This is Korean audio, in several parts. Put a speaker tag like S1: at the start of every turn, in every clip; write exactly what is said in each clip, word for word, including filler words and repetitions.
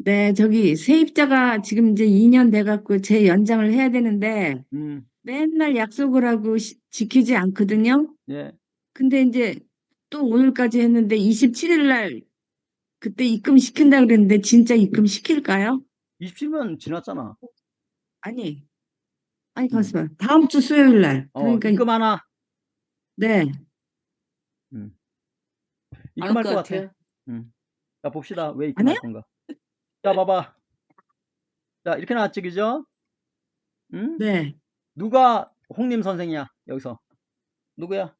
S1: 네, 저기 세입자가 지금 이제 이 년 돼갖고 제 연장을 해야 되는데
S2: 음,
S1: 맨날 약속을 하고 시- 지키지 않거든요.
S2: 예.
S1: 근데 이제 또 오늘까지 했는데 이십칠 일 날 그때 입금 시킨다 그랬는데 진짜 입금 시킬까요?
S2: 이십칠 년 지났잖아.
S1: 아니, 아니,
S2: 음.
S1: 가만있어 봐. 다음 주 수요일 날.
S2: 어,
S1: 그러니까
S2: 입금 하나.
S1: 네,
S2: 음.
S3: 안 할
S2: 입금할
S3: 것
S2: 것 같아.
S3: 같아요.
S2: 음. 자, 봅시다. 왜
S1: 안 해요?
S2: 입금할 건가? 자, 봐봐. 자, 이렇게 나왔지, 그죠? 응?
S1: 네.
S2: 누가 홍림 선생이야, 여기서? 누구야?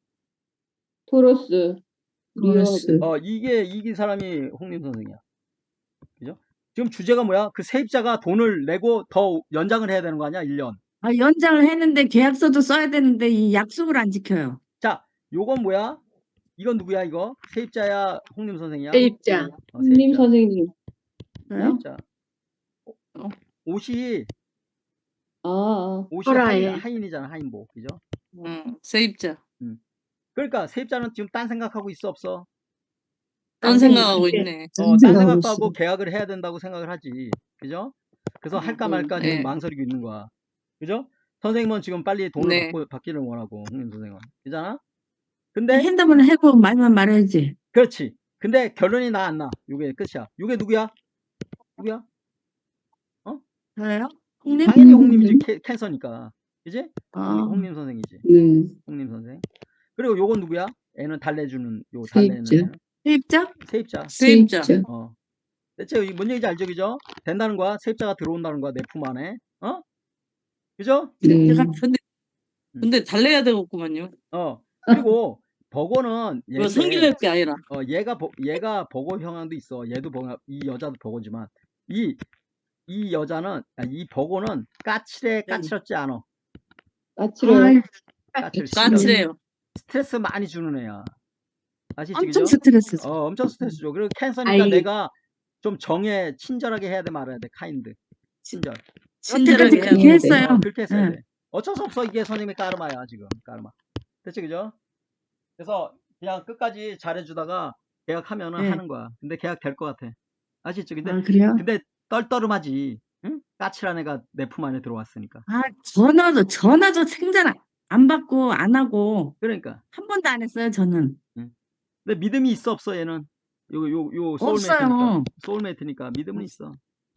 S3: 토로스,
S1: 로스.
S3: 리오하고.
S2: 어, 이게, 이긴 사람이 홍림 선생이야. 그죠? 지금 주제가 뭐야? 그 세입자가 돈을 내고 더 연장을 해야 되는 거 아니야? 일 년.
S1: 아, 연장을 했는데 계약서도 써야 되는데 이 약속을 안 지켜요.
S2: 자, 요건 뭐야? 이건 누구야, 이거? 세입자야, 홍림 선생이야?
S3: 세입자.
S2: 어,
S3: 홍님
S2: 세입자.
S3: 선생님.
S1: 저요?
S2: 세입자.
S1: 어.
S2: 옷이,
S3: 아, 아.
S2: 옷이 하인,
S3: 허라에.
S2: 하인이잖아, 하인복. 그죠?
S3: 응, 세입자.
S2: 음. 그러니까 세입자는 지금 딴 생각하고 있어, 없어?
S3: 딴 생각하고
S1: 이게
S3: 있네.
S2: 어, 딴
S1: 생각하고
S2: 생각도 하고
S1: 있어.
S2: 계약을 해야 된다고 생각을 하지. 그죠? 그래서 할까
S3: 음,
S2: 말까 지금
S3: 네.
S2: 망설이고 있는 거야. 그죠? 선생님은 지금 빨리 돈을
S3: 네.
S2: 받고, 받기를 원하고, 홍림 선생은. 그잖아? 근데,
S1: 핸드폰 해고 말만 말해야지.
S2: 그렇지. 근데 결론이 나, 안 나? 요게 끝이야. 요게 누구야? 누구야? 어?
S1: 저요? 홍님?
S2: 당연히 홍림이지. 캐, 캔서니까. 그지?
S1: 아,
S2: 홍림, 홍림 선생이지.
S3: 음.
S2: 홍림 선생. 그리고 요건 누구야? 애는 달래주는, 요 달래는
S3: 세입자.
S2: 애는.
S1: 세입자?
S2: 세입자.
S3: 세입자.
S2: 어. 대체 이게 뭔 얘기인지 알죠? 그죠? 된다는 거야. 세입자가 들어온다는 거야. 내 품 안에. 어? 그죠?
S3: 네.
S1: 제가
S3: 근데,
S2: 음.
S3: 근데 달래야 되겠구만요.
S2: 어. 그리고 버거는
S3: 이거
S2: 얘인데,
S3: 성질낼 게 아니라.
S2: 어, 얘가, 버, 얘가 버거 형향도 있어. 얘도 버거, 이 여자도 버거지만, 이, 이 여자는, 아니, 이 버거는 까칠해, 까칠하지 않아.
S3: 까칠해요.
S2: 까칠, 싫어.
S3: 까칠해요.
S2: 스트레스 많이 주는 애야. 아시지,
S1: 엄청
S2: 그죠?
S1: 스트레스 줘.
S2: 어, 엄청 스트레스 줘. 그리고 캔서니까
S3: 아이.
S2: 내가 좀 정해, 친절하게 해야 돼, 말아야 돼. 카인드. 친절.
S1: 여태까지
S3: 친절하게 해야
S1: 그렇게
S3: 되는데.
S1: 했어요.
S2: 어, 그렇게 했어야
S1: 예.
S2: 돼. 어쩔 수 없어. 이게 선생님의 까르마야, 지금. 까르마. 됐지, 그죠? 그래서 그냥 끝까지 잘해주다가 계약하면은
S1: 네.
S2: 하는 거야. 근데 계약 될 것 같아. 아시죠? 근데,
S1: 아, 그래요?
S2: 근데 떨떠름하지. 응? 까칠한 애가 내 품 안에 들어왔으니까.
S1: 아, 전화도, 전화도 생전 안 받고 안 하고
S2: 그러니까.
S1: 한 번도 안 했어요, 저는.
S2: 응. 근데 믿음이 있어, 없어, 얘는? 요, 요, 요, 소울메이트니까.
S1: 없어요.
S2: 소울메이트니까 믿음은 있어.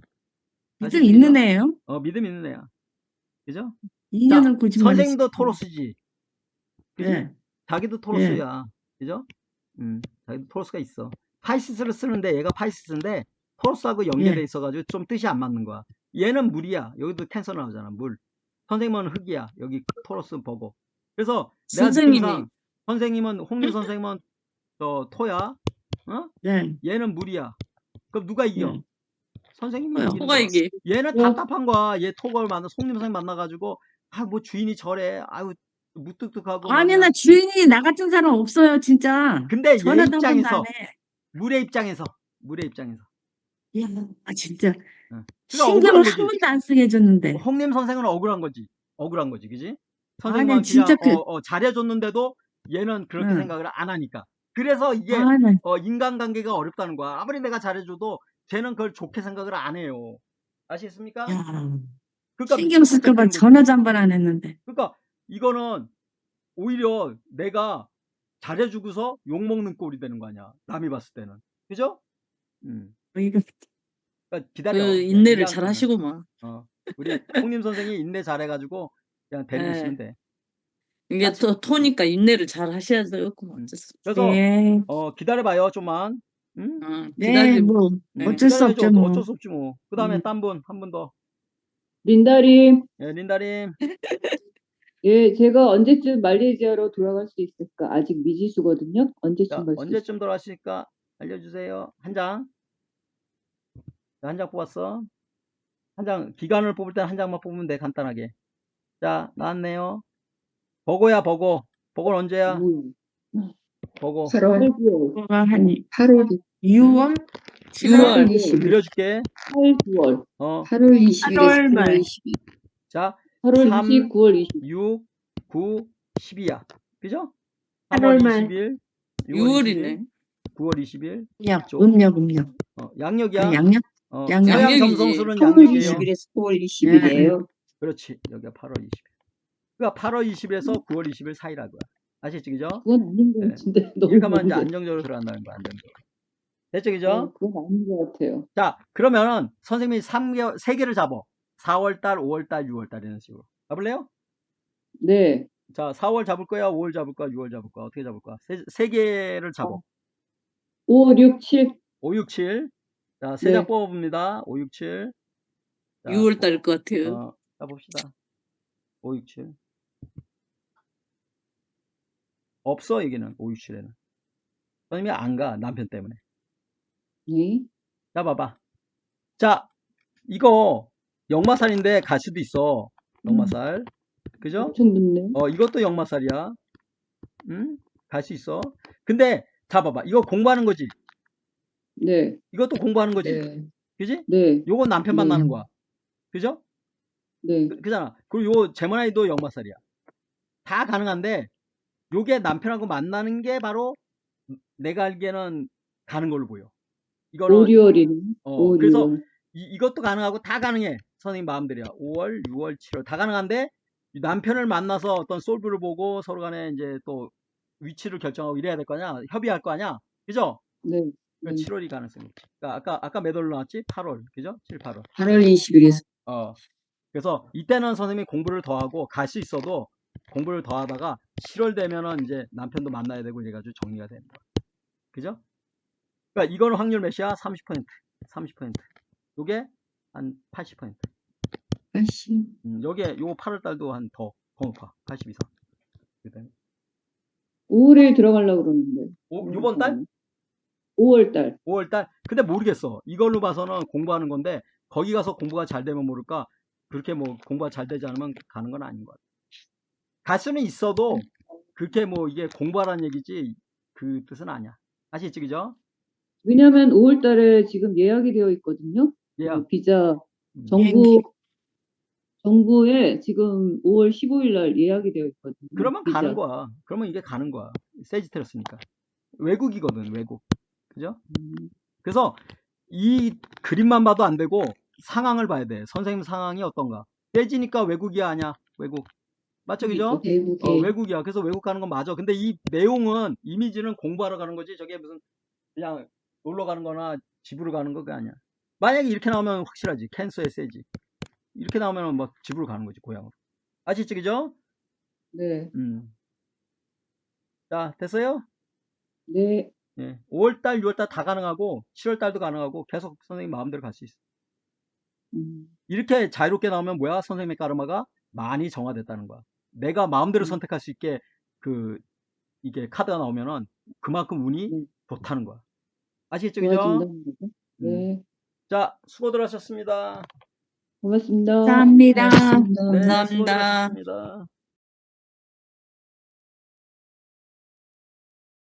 S1: 믿음
S2: 아시죠?
S1: 있는
S2: 그죠?
S1: 애예요.
S2: 어, 믿음 있는 애야. 그죠? 자,
S1: 이 년을 거짓말을
S2: 선생님도
S1: 시키고.
S2: 토로스지. 그지?
S1: 예.
S2: 자기도
S1: 예.
S2: 토로스야. 그죠? 음, 자기도 토로스가 있어. 파이시스를 쓰는데 얘가 파이시스인데 토로스하고 연계돼
S1: 예.
S2: 있어가지고 좀 뜻이 안 맞는 거야. 얘는 물이야. 여기도 캔서 나오잖아. 물. 선생님은 흙이야. 여기 토로스 버거. 그래서 내가
S3: 선생님이.
S2: 느낌상 선생님은 홍림 선생님은 어, 토야. 어?
S1: 네.
S2: 얘는 물이야. 그럼 누가 이겨?
S1: 예.
S2: 선생님이
S1: 토요.
S2: 이기는
S3: 토가
S2: 거야.
S3: 이게.
S2: 얘는
S3: 어.
S2: 답답한 거야. 얘 토걸 만나 송림 선생 만나가지고 아 뭐 주인이 저래. 아유 무뚝뚝하고 막
S1: 아니,
S2: 그냥.
S1: 나 주인이 나 같은 사람 없어요, 진짜.
S2: 근데 얘
S1: 전화도 한 번도 안
S2: 입장에서
S1: 해.
S2: 물의 입장에서 물의 입장에서
S1: 야, 아, 진짜.
S2: 응. 그러니까
S1: 신경을
S2: 억울한
S1: 한
S2: 거지.
S1: 번도 안 쓰게 해줬는데.
S2: 홍림 선생은 억울한 거지. 억울한 거지, 그지?
S1: 아니,
S2: 선생님은
S1: 진짜
S2: 그냥
S1: 그,
S2: 어, 어, 잘해줬는데도 얘는 그렇게
S1: 응.
S2: 생각을 안 하니까. 그래서 이게
S1: 아, 나,
S2: 어, 인간관계가 어렵다는 거야. 아무리 내가 잘해줘도 쟤는 그걸 좋게 생각을 안 해요. 아시겠습니까?
S1: 야,
S2: 그러니까
S1: 신경 쓸까봐
S2: 잡히는 거지.
S1: 전화도 한 번 안 했는데.
S2: 그러니까 이거는 오히려 내가 잘해주고서 욕먹는 꼴이 되는 거 아니야. 남이 봤을 때는. 그죠? 음.
S1: 뭐 이거,
S2: 그러니까 기다려.
S3: 그
S2: 그냥
S3: 인내를
S2: 이왕,
S3: 잘 하시고만.
S2: 어, 우리 홍림 선생이 인내 잘해가지고 그냥 데리고 있으면
S3: 예.
S2: 돼.
S3: 이게
S2: 까치-
S3: 또 토니까 인내를 잘 하셔야 되겠구만.
S2: 음.
S3: 어쩔 수 없어.
S2: 그래서
S1: 네.
S2: 어, 기다려봐요 좀만. 응?
S3: 어,
S1: 네,
S3: 기다리,
S1: 뭐,
S3: 네.
S1: 어쩔 수
S2: 기다려야죠.
S1: 없죠, 뭐.
S2: 어쩔 수 없지 뭐. 그 다음에
S1: 음.
S2: 딴 분, 한 분 더.
S3: 린다림.
S2: 예, 린다님.
S3: 예, 제가 언제쯤 말레이시아로 돌아갈 수 있을까? 아직 미지수거든요. 언제쯤
S2: 자,
S3: 갈 수 있을까?
S2: 언제쯤 돌아가실까 알려주세요. 한 장. 한 장 뽑았어. 한 장, 기간을 뽑을 때는 한 장만 뽑으면 돼, 간단하게. 자, 나왔네요. 버거야, 버거. 버거는 언제야?
S3: 음.
S2: 버거.
S3: 팔월.
S1: 그거가 한
S3: 팔월.
S1: 유월?
S3: 유월.
S2: 그려줄게.
S3: 팔, 구월.
S2: 어,
S3: 팔월 이십일에서
S1: 팔월 말.
S3: 구월 이십일.
S2: 자,
S3: 팔월
S2: 삼,
S3: 이십, 구월 이십.
S2: 육, 구, 십이야. 그죠?
S1: 팔월
S2: 삼월
S1: 말.
S2: 이십 일, 유월 이십 일,
S3: 유월이네.
S2: 구월 이십 일.
S1: 음력,
S2: 쪽.
S1: 음력, 음력.
S2: 어, 양력이야.
S1: 아, 양력?
S2: 어,
S1: 양력.
S2: 서양
S4: 양력이지.
S2: 점성술은
S4: 삼월
S2: 양력이에요.
S4: 이십일에서 사월 이십일이에요.
S2: 그렇지. 여기가 팔월 이십일. 그러니까 팔월 이십일에서 구월 이십일 사이라고요. 아시죠, 그죠?
S3: 그건 아닌 것
S2: 네.
S3: 같은데 너무
S2: 이렇게 하면 이제
S3: 먼데.
S2: 안정적으로 들어간다는 거야, 안정적으로. 됐죠, 그죠?
S3: 어, 그건 아닌 것 같아요.
S2: 자, 그러면은 선생님이 삼 개월, 세 개를 잡어. 사월달, 오월달, 유월달 이런 식으로. 잡을래요?
S3: 네.
S2: 자, 사월 잡을 거야, 오월 잡을 거야, 유월 잡을 거야. 어떻게 잡을 거야? 세, 세 개를 잡어.
S3: 오, 육, 칠.
S2: 오, 육, 칠. 자, 세 장
S3: 네.
S2: 뽑아봅니다. 오, 육, 칠. 자,
S4: 유월 달일 것 같아요.
S2: 어, 짜봅시다. 오, 육, 칠. 없어, 여기는. 오, 육, 칠에는. 선생님이 안 가, 남편 때문에.
S3: 네.
S2: 자, 봐봐. 자, 이거 역마살인데 갈 수도 있어. 역마살. 그죠?
S3: 엄청 늦네.
S2: 어, 이것도 역마살이야. 응? 갈 수 있어. 근데, 자, 봐봐. 이거 공부하는 거지.
S3: 네.
S2: 이것도 공부하는 거지.
S3: 네.
S2: 그지?
S3: 네.
S2: 요건 남편
S3: 네.
S2: 만나는 거야. 그죠?
S3: 네.
S2: 그, 그잖아. 그리고 요 제모나이도 역마살이야. 다 가능한데, 요게 남편하고 만나는 게 바로 내가 알기에는 가는 걸로 보여. 이거는,
S3: 오리월이네.
S2: 어, 그래서
S3: 오리월.
S2: 이, 이것도 가능하고 다 가능해. 선생님 마음대로야. 오월, 유월, 칠월 다 가능한데, 이 남편을 만나서 어떤 솔브를 보고 서로 간에 이제 또 위치를 결정하고 이래야 될 거 아니야? 협의할 거 아니야? 그죠?
S3: 네.
S2: 그러니까
S3: 네.
S2: 칠월이 가능성이 있지. 그러니까 아까, 아까 몇 월로 나왔지? 팔월. 그죠? 칠, 팔월.
S4: 팔월 이십일에서
S2: 어. 그래서 이때는 선생님이 공부를 더 하고 갈 수 있어도 공부를 더 하다가 칠월 되면은 이제 남편도 만나야 되고 이래가지고 정리가 되는 거야. 그죠? 그러니까 이거는 확률 몇이야? 삼십 퍼센트. 삼십 퍼센트. 요게 한 팔십 퍼센트.
S4: 팔십.
S2: 음, 요게 요 팔월 달도 한 더, 더 높아. 팔십 이상. 그다음에
S3: 오월에 들어가려고 그러는데.
S2: 오, 요번 달?
S3: 오월 달.
S2: 오월 달? 근데 모르겠어. 이걸로 봐서는 공부하는 건데 거기 가서 공부가 잘 되면 모를까 그렇게 뭐 공부가 잘 되지 않으면 가는 건 아닌 것 같아. 갈 수는 있어도 그렇게 뭐 이게 공부하라는 얘기지 그 뜻은 아니야. 아시겠지, 그죠?
S3: 왜냐면 오월 달에 지금 예약이 되어 있거든요.
S2: 예약.
S3: 그 비자
S2: 음.
S3: 정부 정부에 지금 오월 십오일 날 예약이 되어 있거든요.
S2: 그러면
S3: 비자.
S2: 가는 거야. 그러면 이게 가는 거야. 세지테러스니까. 외국이거든, 외국. 그죠?
S3: 음,
S2: 그래서 이 그림만 봐도 안 되고 상황을 봐야 돼. 선생님 상황이 어떤가. 세지니까 외국이야, 아니야? 외국. 맞죠, 그죠?
S4: 외국에
S2: 어, 외국이야. 그래서 외국 가는 건 맞아. 근데 이 내용은, 이미지는 공부하러 가는 거지. 저게 무슨, 그냥 놀러 가는 거나 집으로 가는 거, 그게 아니야. 만약에 이렇게 나오면 확실하지. 캔서에 세지. 이렇게 나오면 막 집으로 가는 거지, 고향으로. 아시죠, 그죠?
S3: 네.
S2: 음. 자, 됐어요?
S3: 네.
S2: 예. 오월달, 유월달 다 가능하고, 칠월달도 가능하고, 계속 선생님 마음대로 갈 수 있어.
S3: 음,
S2: 이렇게 자유롭게 나오면 뭐야? 선생님의 까르마가 많이 정화됐다는 거야. 내가 마음대로
S3: 음.
S2: 선택할 수 있게 그 이게 카드가 나오면은 그만큼 운이
S3: 네.
S2: 좋다는 거야. 아시겠죠, 그죠?
S3: 좋아진다는 거죠?
S2: 음.
S3: 네.
S2: 자, 수고들 하셨습니다.
S3: 고맙습니다.
S1: 감사합니다.
S4: 고맙습니다.
S2: 네,
S4: 감사합니다.
S2: 수고들 하셨습니다.